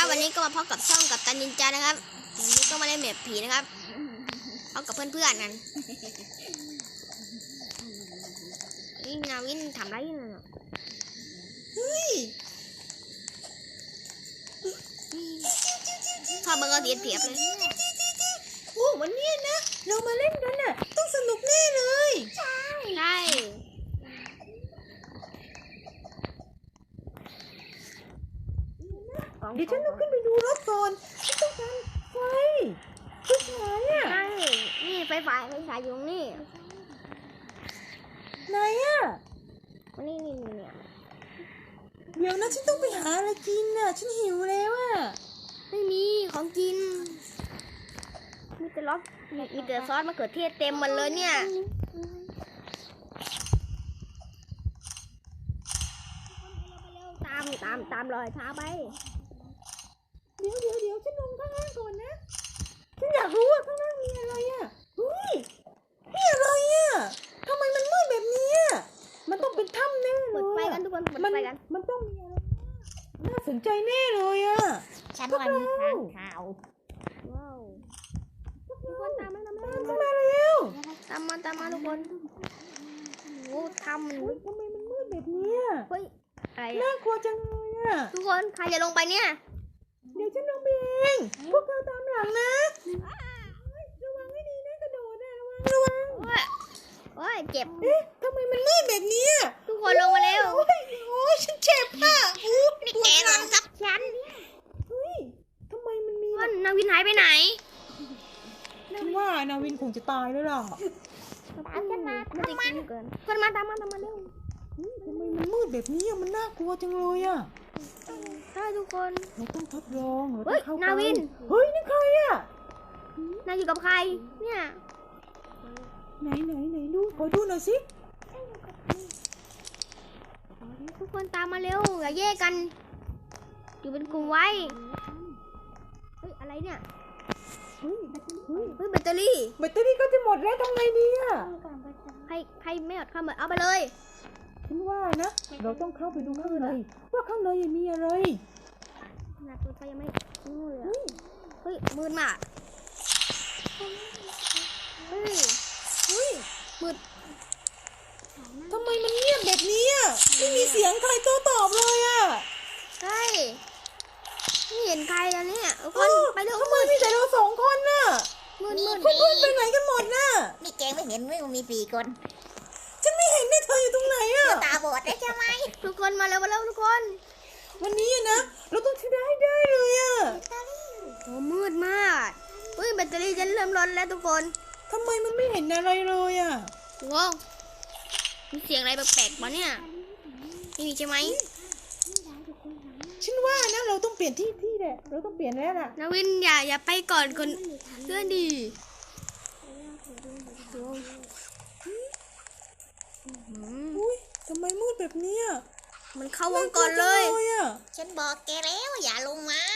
ครับวันนี้ก็มาพบกับช่องกับตันนินจานะครับวันนี้ก็มาเล่นแบบผีนะครับพบกับเพื่อนๆกันนี่นาวินทำไรอยู่น่ะเฮ้ยพอเบอร์ก็เสียบเลยโอ้วันนี้นะเรามาเล่นกันน่ะต้องสนุกแน่เลยใช่เดี๋ยวฉันต้องขึ้นไปดูรถก่อนฉันต้องการไฟฉายอ่ะใช่นี่ไฟฉายอยู่ตรงนี่ไหนอ่ะนี่เนี่ยเดี๋ยวนะฉันต้องไปหาอะไรกินน่ะฉันหิวแล้วอ่ะไม่มีของกินมีแต่ล็อกมีแต่ซอสมะเขือเทศเต็มหมดเลยเนี่ยตามรอยเท้าไปเดี๋ยวฉันลงข้างล่างก่อนนะฉันอยากรู้ว่าข้างล่างมีอะไรอ่ะเฮ้ยนี่อะไรอ่ะทำไมมันมืดแบบนี้อ่ะมันต้องเป็นถ้ำแน่เลยเปิดไฟกันทุกคนเปิดไฟกันมันต้องมีอะไรน่าสนใจแน่เลยอ่ะฉันว่ามีทางข่าวว้าวทุกคนตามมาแล้วตามมาทุกคนโอ้ทำมันทำไมมันมืดแบบนี้อ่ะเฮ้ยอะไรน่ากลัวจังเลยอ่ะทุกคนใครจะลงไปเนี่ยเดี๋ยวฉันลงไปเองพวกเธอตามหลังนะระวังให้ดีนะกระโดดนะระวังโอ้ยเจ็บทำไมมันมืดแบบนี้ทุกคนลงมาเร็วโอ้ยฉันเจ็บอ่ะนี่แกหลังกับฉันเฮ้ยทำไมมันมีนาวินหายไปไหนฉันว่านาวินคงจะตายแล้วล่ะตามฉันมาตามมาเกินคนมาตามมาเร็วทำไมมันมืดแบบนี้มันน่ากลัวจังเลยอ่ะใช่ทุกคนเราต้องทดลองเราต้องเข้านาวินเฮ้ยนี่ใครอ่ะนายอยู่กับใครเนี่ยไหนดูขอดูหน่อยสิทุกคนตามมาเร็วอย่าแยกกันอยู่เป็นกลุ่มไว้เฮ้ยอะไรเนี่ยเฮ้ยแบตเตอรี่ก็จะหมดแล้วทำไงดีอ่ะใครไม่หมดเอาไปเลยฉันว่านะเราต้องเข้าไปดูข้างในว่าข้างในมีอะไรขนาดตัวไฟยังไม่รู้เลยเฮ้ยมืดมากเฮ้ยมืดทำไมมันเงียบแบบนี้อ่ะไม่มีเสียงใครโต้ตอบเลยอ่ะใช่ไม่เห็นใครแล้วเนี่ยคนไปเร็วทำไมมีแต่เราสองคนน่ะมืดเพื่อนไปไหนกันหมดน่ะนี่แกไม่เห็นไม่มี4 คนฉันไม่เห็นได้เธออยู่ตรงไหนอ่ะตาบอดได้ใช่ไหมทุกคนมาเร็วทุกคนวันนี้นะเราต้องชนะให้ได้เลยอ่ะโอ้มืดมากเฮ้ยแบตเตอรี่ฉันเริ่มร้อนแล้วทุกคนทำไมมันไม่เห็นอะไรเลยอ่ะว้าวมีเสียงอะไรแปลกๆปะเนี่ยนี่ใช่ไหมฉันว่านะเราต้องเปลี่ยนที่แหละเราต้องเปลี่ยนแล้วล่ะนาวินอย่าไปก่อนคนเพื่อนดีทำไมมืดแบบนี้มันเข้าวงก่อนเลยฉันบอกแกแล้วอย่าลงมา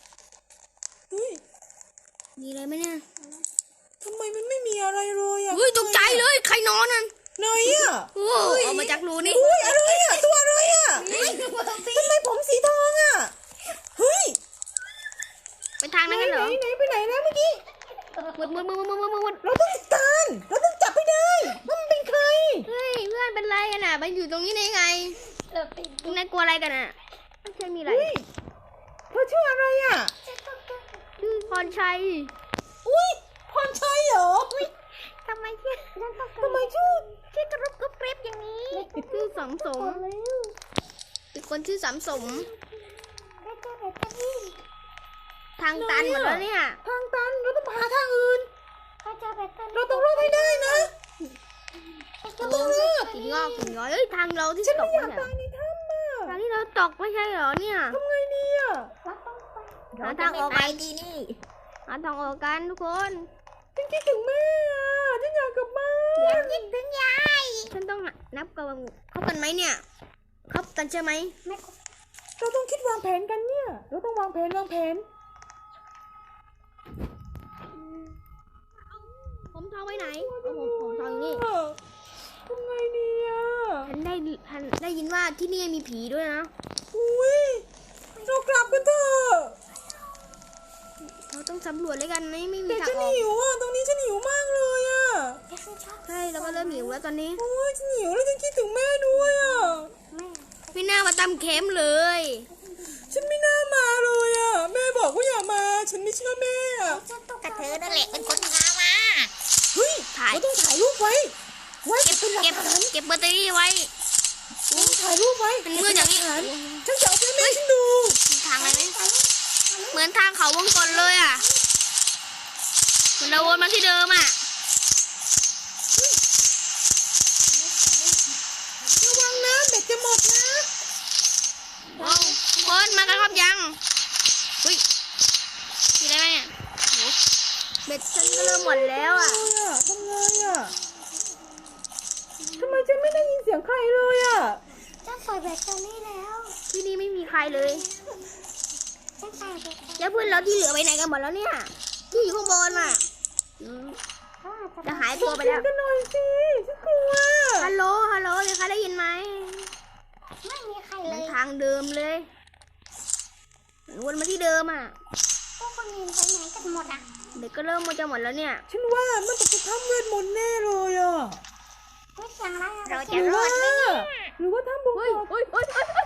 มีอะไรไหมเนี่ยทำไมมันไม่มีอะไรเลยอ่ะตกใจเลยใครนอนนั่นไหนอ่ะออกมาจากรูนี่อะไรอ่ะตัวอะไรอ่ะทำไมผมสีทองอ่ะเฮ้ยไปทางนั้นกันเหรอไหนไปไหนนะเมื่อกี้มืดเราต้องติดตามเราต้องจับให้ได้ว่ามันเป็นใครเฮ้ยเพื่อนเป็นไรกันอ่ะไปอยู่ตรงนี้ได้ไงนายกลัวอะไรกันอ่ะไม่ใช่มีอะไรเธอชื่ออะไรอ่ะชื่อพรชัยพรชัยเหรอทำไมชื่อกระรุบกรุบกริบอย่างนี้ชื่อสมเป็นคนชื่อสมทางตันหมดแล้วเนี่ยทางตันเราต้องหาทางอื่นเราต้องรอดให้ได้นะเราต้องรอดหินงอกทางเราที่ตกเนี่ยทางที่เราตกไม่ใช่เหรอเนี่ยทำไงดีอ่ะหาทางออกกันดีนี่หาทางออกกันทุกคนฉันคิดถึงแม่ฉันอยากกลับบ้านคิดถึงยายฉันต้องนับกันคบกันไหมเนี่ยคบกันใช่ไหมเราต้องคิดวางแผนกันเนี่ยเราต้องวางแผนผมทองไว้ไหนผมทองอยู่นี่ทำไงดีอ่ะฉันได้ยินว่าที่นี่มีผีด้วยนะเรากลับกันเถอะำรวจเลยกันไม่มีแต่ทางฉันออกหิวอ่ะตรงนี้ฉันหิวมากเลยอ่ะใช่เราก็เริ่มหิวแล้วตอนนี้โอ้ยฉันหิวแล้วฉันคิดถึงแม่ด้วยอ่ะไม่น่ามาตำเค็มเลยฉันไม่น่ามาเลยอ่ะแม่บอกว่าอย่ามาฉันไม่เชื่อแม่อ่ะกระเธอนั่นแหละเป็นคนพามาเฮ้ยถ่ายเราต้องถ่ายรูปไว้เป็นหลักเก็บฐานเก็บแบตเตอรี่ไว้ถ่ายรูปไว้มันมืดอย่างนี้ฉันจะเอาไปให้แม่ฉันดูทางอะไรไหมเหมือนทางเขาวงกลเลยอ่ะเหมือนเราวนมาที่เดิมอ่ะระวังนะเบ็ดจะหมดนะว้าวคนมากันครับยังเฮ้ยมีอะไรไหมเนี่ยโหเบ็ดฉันก็เริ่มหมดแล้วอ่ะทำไงอ่ะทำไมฉันไม่ได้ยินเสียงใครเลยอ่ะฉันใส่แบตเตอรี่แล้วที่นี่ไม่มีใครเลยฉันใส่แบตแล้วเพื่อนเราที่เหลือไปไหนกันหมดแล้วเนี่ย ที่อยู่ข้างบนอ่ะจะหายตัวไปแล้วกันหน่อยสิฉันกลัวฮัลโหลฮัลโหลมีใครได้ยินไหมไม่มีใครเหเลมือนยทางเดิมเลยเหมือนวนมาที่เดิมอ่ะพวกคนอื่นไปไหนกันหมดอ่ะเด็กก็เริ่มมันจะหมดแล้วเนี่ยฉันว่ามันต้องไปทำเวทมนต์แน่เลยอ่ะไม่เสียงอะไรหรือว่าทำบุญเฮ้ยเฮ้ยเฮ้ยเฮ้ย